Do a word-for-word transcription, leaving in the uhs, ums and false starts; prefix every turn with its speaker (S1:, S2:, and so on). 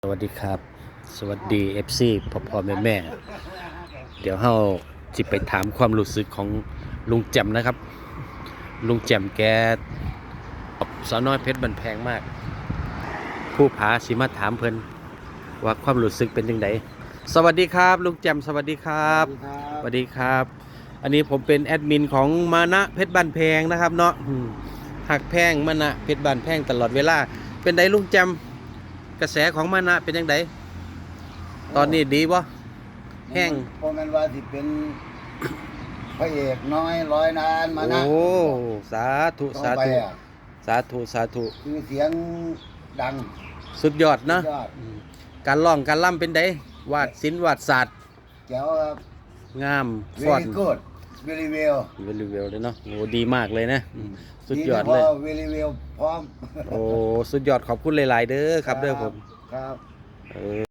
S1: สวัสดีครับสวัสดี เอฟ ซี พ่อพ่อแม่แม่เดี๋ยวเฮาจิไปถามความรู้สึกของลุงแจ่มนะครับลุงแจ่มแกสาวน้อยเพชรบันแพงมากผู้ผาสิมาถามเพิ่นว่าความรู้สึกเป็นยังไงสวัสดีครับลุงแจ่มสวัสดีครับสวัสดีครับ อันนี้ผมเป็นแอดมินของมานะเพชรบันแพงนะครับเนาะหักแพงมานะเพชรบันแพงตลอดเวลาเป็นไดลุงแจ่มกระแสของมานะเป็นยังไงตอนนี้ดีบ่แห้ง
S2: เพราะมันว่าสิเป็นพระเอกน้อยร้อยนานมานะ
S1: โอ้สาธุสาธุสาธุสาธุ
S2: คือเสียงดัง
S1: สุดยอดเนาะ
S2: ยอด
S1: การร้องการล่ำเป็นไดวาดศิลป์วาดศาสตร์
S2: แจ๋วครับ
S1: งามฟอน
S2: very good very well
S1: very well เลยเนาะโอ้ดีมากเลยนะสุดยอดเลย
S2: very well พร้อม
S1: โอ้สุดยอดขอบคุณหลายๆเด้อครับเด้อผม
S2: ครับ
S1: เออ